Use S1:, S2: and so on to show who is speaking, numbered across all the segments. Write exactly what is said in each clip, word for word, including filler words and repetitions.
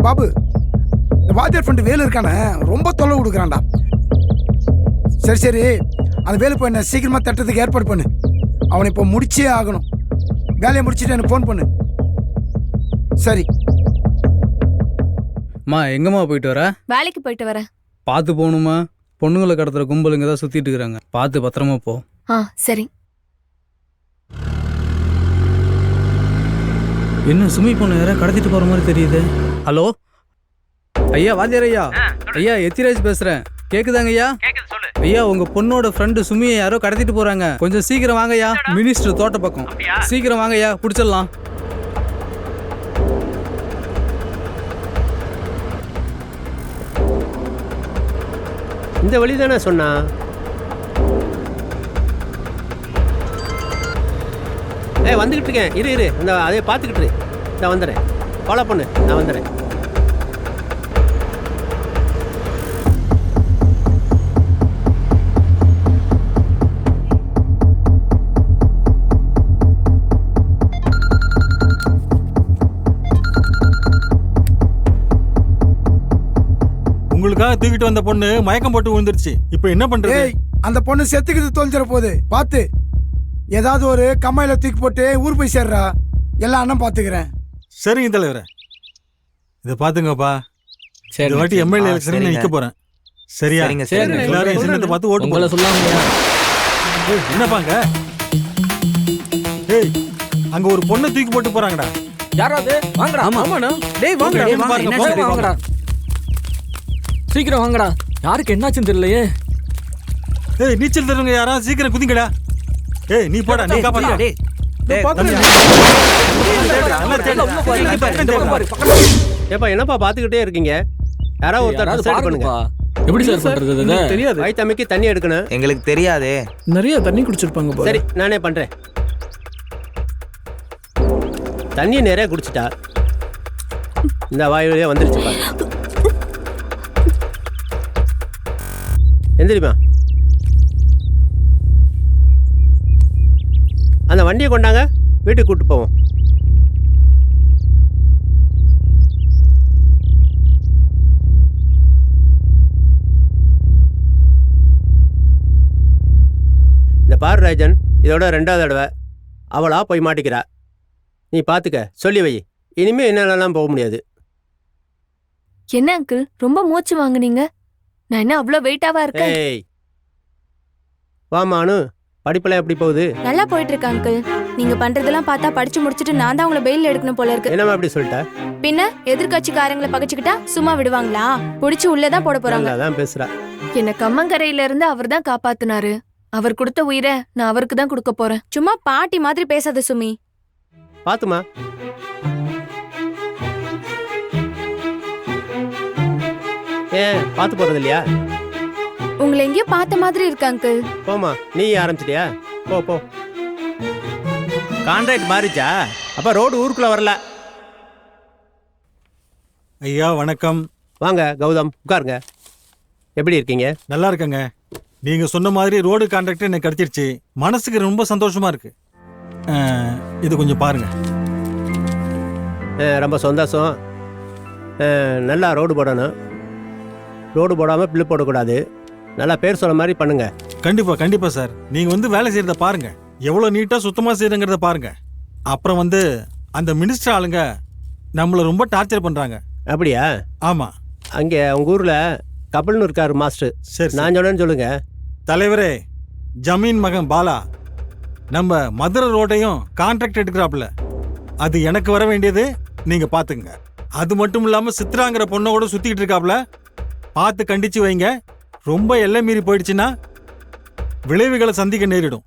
S1: பாபு, இந்த வாத்தியார் ஃப்ரெண்டு வேலு இருக்கானே ரொம்ப தொல்லை கொடுக்குறான்டா. சரி சரி அந்த வேலு போய் என்ன சீக்கிரமா தட்டுறதுக்கு ஏற்பாடு பண்ணு. அவனை இப்போ முடிச்சே ஆகணும். வேலையை முடிச்சுட்டு எனக்கு ஃபோன் பண்ணு. சரி.
S2: அம்மா எங்கம்மா போயிட்டு வர?
S3: வேலைக்கு போயிட்டு வரேன்.
S2: பார்த்து போகணுமா? பொண்ணுங்களை கடத்துற கும்பல் இங்கே தான் சுற்றிட்டு இருக்கிறாங்க. பார்த்து பத்திரமா போ.
S3: ஆ சரி.
S2: என்ன சுமி பொண்ணு யாரா கடத்திட்டு போகிற மாதிரி தெரியுது. ஹலோ ஐயா, வாத்தியார் ஐயா. ஐயா எத்திராஜ் பேசுகிறேன். கேட்குதாங்க ஐயா? ஐயா உங்கள் பொண்ணோட ஃப்ரெண்டு சுமியை யாரோ கடத்திட்டு போகிறாங்க. கொஞ்சம் சீக்கிரம் வாங்க ஐயா. மினிஸ்டர் தோட்ட பக்கம். சீக்கிரம் வாங்க ஐயா, பிடிச்சிடலாம்.
S4: இந்த வழி தானே சொன்னா? ஏய் வந்துக்கிட்டு இருக்கேன், இரு இரு இந்த அதே பார்த்துக்கிட்டு இரு. நான் வந்துடுறேன், ஃபாலோ பண்ணு, நான் வந்துடுறேன்.
S5: உங்களுக்காக தூக்கிட்டு வந்த பொண்ணு மயக்கம் போட்டு விழுந்துருச்சு. இப்போ என்ன பண்றது?
S1: ஏய், அந்த பொண்ணு செத்துக்கிட்டு தொலைஞ்சிட போகுது. பார்த்து ஏதாவது ஒரு கம்மாயில தூக்கி போட்டு ஊர் போய் சேர்றா. எல்லா அண்ணன் பார்த்துக்கிறேன்.
S5: சரிங்க தலைவரே, இதை பாத்துங்கப்பா. இந்த வாட்டி எம்எல்ஏ எலெக்ஷன் நிக்க போறேன். சரியா? எல்லாரும் சின்னத்தை பார்த்து ஓட்டு போட
S2: சொல்லாங்க.
S5: என்னப்பாங்க? ஏய், அங்க ஒரு பொண்ணை தூக்கி போட்டு போறாங்கடா.
S6: யாராவது வாங்கடா.
S2: ஆமாண்ணா. டேய் வாங்கடா,
S6: வாங்கடா, சீக்கிரம் வாங்கடா. யாருக்கு என்னாச்சுன்னு தெரியலையே.
S5: ஏய், நீச்சல் தெரியுங்க யாரா? சீக்கிரம் குதிங்கடா. ஏய், நீ போடா, நீ காப்பாடா.
S4: ஏப்பா என்னப்பா பார்த்துக்கிட்டே இருக்கீங்க? யாராவது ஒருத்தர் டிசைட் பண்ணுங்க.
S6: எப்படி சார் பண்றது?
S4: தெரியாது. வயித்தமைக்கு தண்ணி எடுக்கணும்.
S7: எங்களுக்கு தெரியாதே.
S6: நிறைய தண்ணி குடிச்சிருப்பாங்க.
S4: சரி நானே பண்றேன். தண்ணி நிறைய குடிச்சிட்டா இந்த வாயுவே வந்துருச்சு பாரு. எந்திரிமா. அந்த வண்டியை கொண்டாங்க, வீட்டுக்கு கூப்பிட்டு போவோம். இந்த பாரு ராஜன், இதோட ரெண்டாவது தடவை அவளா போய் மாட்டிக்கிறா. நீ பார்த்துக்க, சொல்லி வை. இனிமே என்னாலலாம் போக முடியாது.
S3: என்ன அங்கிள் ரொம்ப மூச்சு வாங்குனீங்க? நான் என்ன அவ்வளோ வெயிட்டாவா இருக்கேன்?
S4: ஏய் வாமானு, படிப்பெல்லாம் எப்படி போகுது?
S3: நல்லா போயிட்டு இருக்கு அங்கிள். நீங்க பண்றதெல்லாம் பார்த்தா படிச்சு முடிச்சிட்டு நான் தான் உங்களை பெயில் எடுக்கணும் போல இருக்கு.
S4: என்னமா அப்படி சொல்லிட்ட?
S3: பின்ன எதிர்கட்சிக்காரங்களை பகைச்சுக்கிட்டா சும்மா விடுவாங்களா? புடிச்சு உள்ளதான் போட போறாங்க.
S4: அதான் பேசுறா.
S3: என்ன கம்மங்கரையில இருந்து அவர் தான் காப்பாத்துனாரு. அவர் கொடுத்த உயிரை நான் அவருக்கு தான் கொடுக்க போறேன். சும்மா பாட்டி மாதிரி பேசாத சுமி.
S4: பாத்துமா. ஏன் பாத்து போறது இல்லையா?
S3: உங்களை எங்கேயோ பார்த்த மாதிரி இருக்கு அங்கிள்.
S4: போமா, நீ ஆரம்பிச்சிட்டியா? போ போ.
S7: கான்ட்ராக்ட் மாறிச்சா?
S4: அப்ப ரோடு ஊருக்குள்ள வரல.
S5: ஐயா வணக்கம்.
S4: வாங்க கௌதம், உட்காருங்க. எப்படி இருக்கீங்க?
S5: நல்லா இருக்கங்க. நீங்க சொன்ன மாதிரி ரோடு கான்ட்ராக்ட் எனக்கு கிடைச்சிருச்சு. மனசுக்கு ரொம்ப சந்தோஷமா இருக்கு. இது கொஞ்சம் பாருங்க.
S4: ரொம்ப சந்தோஷம். நல்லா ரோடு போடணும். ரோடு போடாமல் பில்லு போடக்கூடாது. நல்லா பேர் சொல்ல மாதிரி பண்ணுங்க.
S5: கண்டிப்பா கண்டிப்பா சார். நீங்க வந்து வேலை செய்யறத பாருங்க, எவ்வளவு நீட்டா சுத்தமா செய்யறங்கிறத பாருங்க. அப்புறம் வந்து அந்த மினிஸ்டர் ஆளுங்க நம்மள ரொம்ப டார்ச்சர் பண்றாங்க.
S4: அப்படியா?
S5: ஆமா.
S4: அங்கே உங்க ஊர்ல கபில்னு இருக்காரு மாஸ்டர்.
S5: சரி,
S4: நான் சொன்னேன்னு சொல்லுங்க.
S5: தலைவரே, ஜமீன் மகன் பாலா நம்ம மதுரை ரோட்டையும் கான்ட்ராக்ட் எடுக்கிறாப்புல. அது எனக்கு வர வேண்டியது, நீங்க பாத்துங்க. அது மட்டும் இல்லாம சித்ராங்கிற பொண்ணோட சுத்திக்கிட்டு இருக்காப்புல. பார்த்து கண்டிச்சு வைங்க. ரொம்ப எல்லை மீறி போயிடுச்சுன்னா விளைவுகளை சந்திக்க நேரிடும்.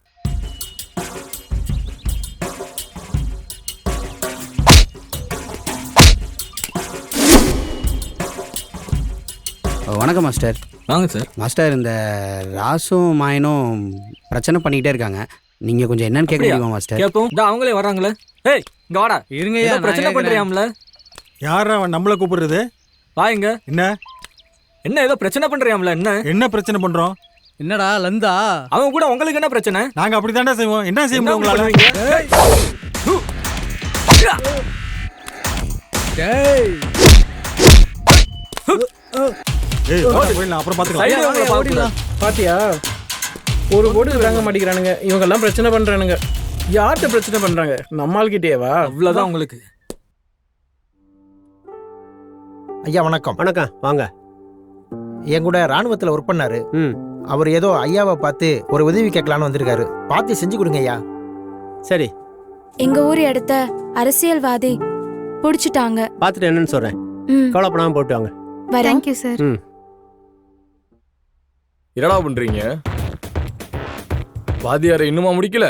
S8: வணக்கம் மாஸ்டர்.
S6: வாங்க சார்.
S8: மாஸ்டர், இந்த ராசும் மாயனும் பிரச்சனை பண்ணிக்கிட்டே இருக்காங்க. நீங்க கொஞ்சம் என்னன்னு கேட்க முடியுமா மாஸ்டர்?
S6: கேப்போம். இந்த அவங்களே வராங்களே. ஏய் இங்க வாடா.
S2: இருங்க,
S6: ஏன் பிரச்சனை பண்றியாம்ல?
S5: யாரா அவன் நம்மள கூப்பிடுறது?
S6: வாங்க.
S5: என்ன
S6: என்ன ஏதோ பிரச்சனை பண்றியாம்ல? என்ன
S5: என்ன பிரச்சனை பண்றோம்?
S2: என்னடா லந்தா?
S6: அவன் கூட உங்களுக்கு என்ன பிரச்சனை?
S5: நாங்க அப்படித்தாண்டா செய்வோம். என்ன செய்ய முடியும் உங்களால?
S2: டேய்
S5: ஏய் போயிடலாம், அப்புறம்
S6: சைடு
S5: பார்த்துக்கலாம்.
S6: அவங்கள பார்க்க
S2: ஓடிடலாம். பாத்தியா ஒரு போட்டு தாங்க மாட்டேங்கிறானுங்க இவங்க எல்லாம் பிரச்சனை பண்றானுங்க. யார்கிட்ட பிரச்சனை பண்றாங்க? நம்மால்கிட்டேவா?
S6: அவ்வளவுதான் உங்களுக்கு.
S7: ஐயா வணக்கம்.
S4: வணக்கம், வாங்க.
S7: என் கூட ராணுவத்தில் ஒர்க் பண்ணாரு.
S4: ம்
S7: அவர் ஏதோ ஐயாவை பார்த்து ஒரு உதவி கேட்கலான்னு வந்திருக்காரு. பார்த்து செஞ்சு கொடுங்க ஐயா.
S4: சரி,
S3: எங்க ஊர் இடத்த அரசியல்வாதி புடிச்சிட்டாங்க.
S4: பார்த்துட்டு என்னன்னு சொல்கிறேன்.
S3: ம்,
S4: கவலைப்படாமல் போட்டு வாங்க.
S3: வரேன். Thank you sir.
S4: ம்
S9: என்னடா பண்றீங்க? வாத்தியாரை இன்னுமா முடிக்கல?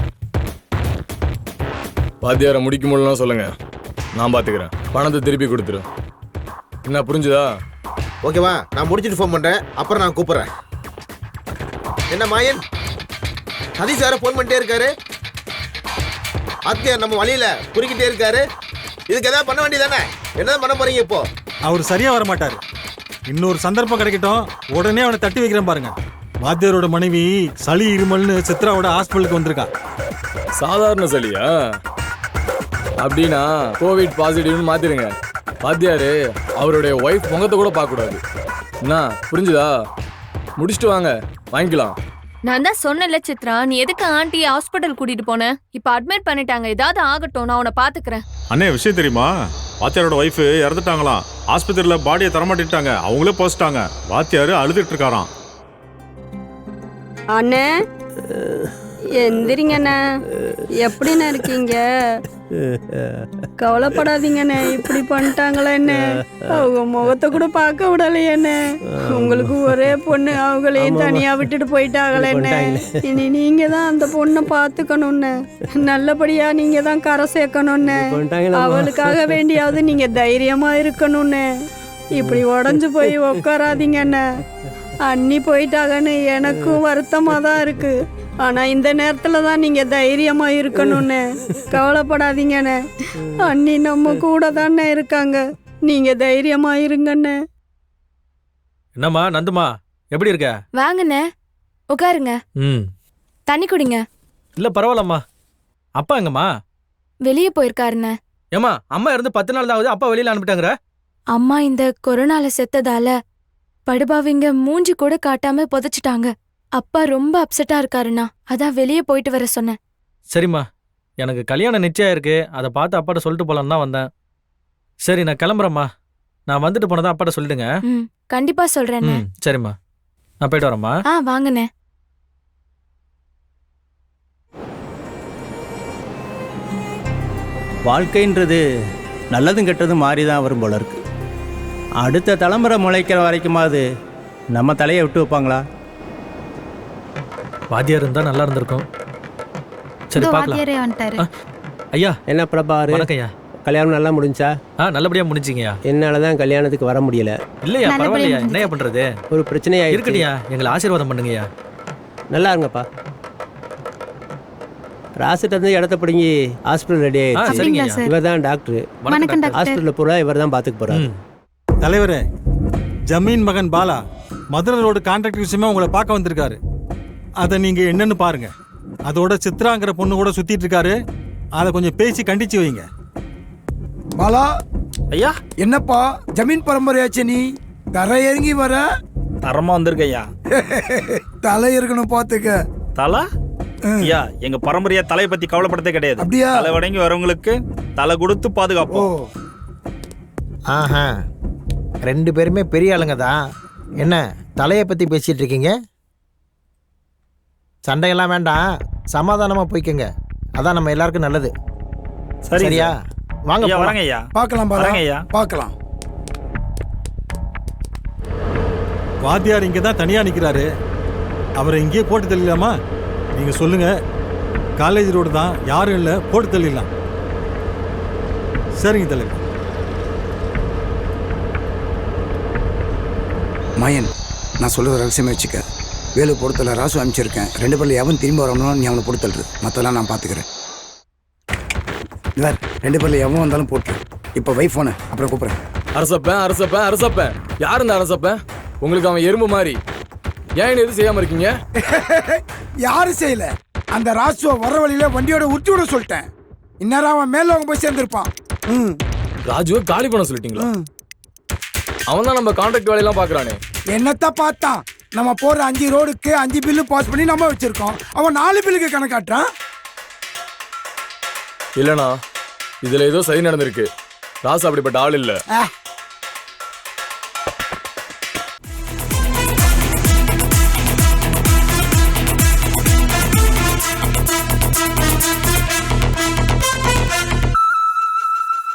S9: வாத்தியாரை முடிக்க முடியலன்னா சொல்லுங்க, நான் பாத்துக்கிறேன். பணத்தை திருப்பி கொடுத்துரு. என்ன புரிஞ்சுதா?
S7: ஓகேவா, நான் முடிச்சுட்டு ஃபோன் பண்றேன். அப்புறம் நான் கூப்பிடுறேன். என்ன மாயன், சதீஷ் சார ஃபோன் பண்ணிட்டே இருக்காரு. அத்தியார் நம்ம வழியில குறுக்கிட்டே இருக்காரு. இதுக்கு ஏதாவது பண்ண வேண்டியதானே? என்னதான் பண்ண போறீங்க இப்போ?
S5: அவர் சரியா வர மாட்டாரு. இன்னொரு சந்தர்ப்பம் கிடைக்கட்டும், உடனே அவனை தட்டி வைக்கிறேன் பாருங்க. வாத்தியாரோட மனைவி சளி இருமல்னு சித்ராவோட ஹாஸ்பிட்டலுக்கு வந்திருக்கா.
S9: சாதாரண சளியா? அப்படின்னா கோவிட் பாசிட்டிவ்னு மாத்திருங்க. வாத்தியாரு அவருடைய ஒய்ஃப் முகத்தை கூட பார்க்க கூடாது. என்ன புரிஞ்சுதா? முடிச்சுட்டு வாங்க, வாங்கிக்கலாம்.
S3: நான் தான் சொன்னேன்ல சித்ரா, நீ எதுக்கு ஆண்டியை ஹாஸ்பிட்டல் கூட்டிட்டு போன? இப்ப அட்மிட் பண்ணிட்டாங்க. ஏதாவது ஆகட்டும், நான் உன்னை பாத்துக்கிறேன்.
S10: அண்ணே, விஷயம் தெரியுமா? வாத்தியாரோட ஒய்ஃபு இறந்துட்டாங்களாம். ஆஸ்பத்திரியில் பாடியை தரமாட்டிட்டாங்க. அவங்களே போச்சிட்டாங்க. வாத்தியாரு அழுதுட்டு இருக்காராம்.
S11: அண்ணே எந்திரிங்கண்ணே. எப்படிண்ணே இருக்கீங்க? கவலைப்படாதீங்கண்ணே. இப்படி பண்ணிட்டாங்களே என்ன? அவங்க முகத்தை கூட பார்க்க விடலையண்ணே. உங்களுக்கு ஒரே பொண்ணு, அவங்களையும் தனியா விட்டுட்டு போயிட்டாங்களேண்ணே. இனி நீங்க தான் அந்த பொண்ணை பார்த்துக்கணும்னு, நல்லபடியா நீங்க தான் கரை சேர்க்கணும்னு, அவளுக்காக வேண்டியாவது நீங்க தைரியமா இருக்கணும்னு. இப்படி உடஞ்சு போய் உட்காராதீங்கண்ணே. அண்ணி போயிட்டாங்கன்னு எனக்கும் வருத்தமா தான் இருக்கு. ஆனா இந்த நேரத்துல தான் நீங்க தைரியமா இருக்கணும்னு. கவலைப்படாதீங்கண்ணே. அண்ணி நம்ம கூட தானே இருக்காங்க. நீங்க தைரியமா இருங்கண்ணே.
S6: என்னம்மா நந்துமா, எப்படி இருக்க?
S3: வாங்கண்ணே, உட்காருங்க.
S6: ம்
S3: தண்ணி குடிங்க.
S6: இல்ல பரவாயில்லம்மா. அப்பா எங்கம்மா?
S3: வெளியே போயிருக்காருண்ணே.
S6: ஏம்மா, அம்மா இருந்து பத்து நாள் தான் ஆகுது, அப்பா வெளியில அனுப்பிட்டாங்கற?
S3: அம்மா இந்த கொரோனால செத்ததால படுபாவிங்க மூஞ்சி கூட காட்டாம புதைச்சிட்டாங்க. அப்பா ரொம்ப அப்செட்டா இருக்காருண்ணா, அதான் வெளியே போயிட்டு வர சொன்னேன்.
S6: சரிம்மா, எனக்கு கல்யாணம் நிச்சயம் இருக்கு. அதை பார்த்து அப்பாட்ட சொல்லிட்டு போலான்னு தான் வந்தேன். சரி, நான் கிளம்புறேம்மா. நான் வந்துட்டு போனதா அப்பாட்ட சொல்லிடுங்க.
S3: ம், கண்டிப்பா சொல்றேண்ணே.
S6: ம் சரிம்மா, நான் போயிட்டு வரேம்மா.
S3: ஆ வாங்கண்ணே.
S12: வாழ்க்கைன்றது நல்லதும் கெட்டதும் மாறி தான் வரும் போல இருக்கு. அடுத்த தலைமுறை முளைக்கிற வரைக்குமாவது நம்ம தலையை விட்டு வைப்பாங்களா?
S6: வாத்தியார் இருந்தா நல்லா இருந்திருக்கும். சரி பார்க்கலாம். ஐயா,
S4: என்ன பிரபாரு,
S6: வணக்கம் ஐயா.
S4: கல்யாணம் நல்லா முடிஞ்சா?
S6: ஆ நல்லபடியா முடிஞ்சிங்கய்யா.
S4: என்னால தான் கல்யாணத்துக்கு வர முடியல.
S6: இல்லையா, பரவாயில்லையா. என்னையா பண்றது?
S4: ஒரு பிரச்சனையா
S6: இருக்கட்டியா, எங்களை ஆசீர்வாதம் பண்ணுங்கய்யா.
S4: நல்லா இருங்கப்பா. ராசிட்ட இருந்து இடத்த பிடுங்கி ஹாஸ்பிட்டல் ரெடி
S6: ஆ
S4: ஆயிடுச்சு.
S6: சரிங்க ஐயா.
S4: இவர் தான் டாக்டர்.
S6: வணக்கம் டாக்டர்.
S4: ஹாஸ்பிட்டலில் பூரா இவர் தான் பார்த்துக்க போறாரு.
S6: ம்.
S5: தலைவரே, ஜமீன் மகன் பாலா மதுரை ரோடு கான்ட்ராக்ட் விஷயமா உங்களை பார்க்க வந்திருக்காரு. அதை நீங்க என்னன்னு பாருங்க. அதோட சித்ராங்கிற பொண்ணு கூட சுத்திட்டு இருக்காரு. அதை கொஞ்சம் பேசி கண்டிச்சு வைங்க.
S1: பாலா,
S6: ஐயா
S1: என்னப்பா ஜமீன் பரம்பரையாச்சு, நீ தரை இறங்கி வர?
S13: தரமா வந்திருக்க ஐயா.
S1: தலை இருக்கணும் பாத்துக்க.
S13: தலை ஐயா, எங்க பரம்பரையா தலையை பத்தி கவலைப்படதே கிடையாது.
S1: அப்படியா?
S13: தலை வணங்கி வரவங்களுக்கு தலை கொடுத்து
S1: ஓ,
S13: பாதுகாப்போம்.
S7: ஆஹா, ரெண்டு பேருமே பெரிய ஆளுங்க தான். என்ன தலையை பத்தி பேசிட்டு இருக்கீங்க? சண்டையெல்லாம் வேண்டாம், சமாதானமா போய்க்கங்க. அதான் நம்ம எல்லாருக்கும் நல்லது.
S13: சரி
S7: சரியா? வாங்க
S13: ஐயா,
S7: போலாம்.
S13: வரங்க ஐயா.
S1: பார்க்கலாம் பாலா,
S13: வரங்க ஐயா.
S1: பார்க்கலாம்.
S5: வாத்தியார் இங்கே தான் தனியாக நிற்கிறாரு. அவரை இங்கேயே போட்டு தள்ளிடலாமா? நீங்கள் சொல்லுங்க. காலேஜ் ரோடு தான், யாரும் இல்லை, போட்டு தள்ளிடலாம். சரிங்க தலைவர்.
S1: மயன், நான் சொல்லுற ரகசியமே வச்சுக்க. வேலு பொறுத்தல ராசு அனுப்பிச்சிருக்கேன். ரெண்டு பேர்ல எவன் திரும்பி வரணும் நீ அவனை பொறுத்தல்று. மற்றெல்லாம் நான் பார்த்துக்கிறேன். இவர் ரெண்டு பேர்ல எவன் வந்தாலும் போட்டு. இப்போ வை ஃபோனை, அப்புறம் கூப்பிட்றேன்.
S9: அரசப்பேன் அரசப்பேன் அரசப்பேன். யார் இந்த அரசப்பேன்? உங்களுக்கு அவன் எறும்பு மாதிரி. ஏன் எதுவும் செய்யாம இருக்கீங்க?
S1: யாரும் செய்யல. அந்த ராசுவை வர வழியில வண்டியோட உருட்டி விட சொல்லிட்டேன். இந்நேரம் அவன் மேல அவங்க போய் சேர்ந்துருப்பான். ம்
S9: ராஜுவை காலி பண்ண சொல்லிட்டீங்களா?
S1: ம்.
S9: அவன் தான் நம்ம கான்ட்ராக்ட் வேலையெல்லாம் பாக்குறானே.
S1: என்னத்த பார்த்தான்? நம்ம போற அஞ்சு ரோடுக்கு அஞ்சு பில்லு பாஸ் பண்ணி நம்ம வச்சிருக்கோம். அவன் நாலு பில்லுக்கு கணக்காட்டுறான்.
S9: இல்லனா இதுல ஏதோ சரி நடந்திருக்கு. ராசு அப்படிப்பட்ட ஆள் இல்ல.
S1: ஆ,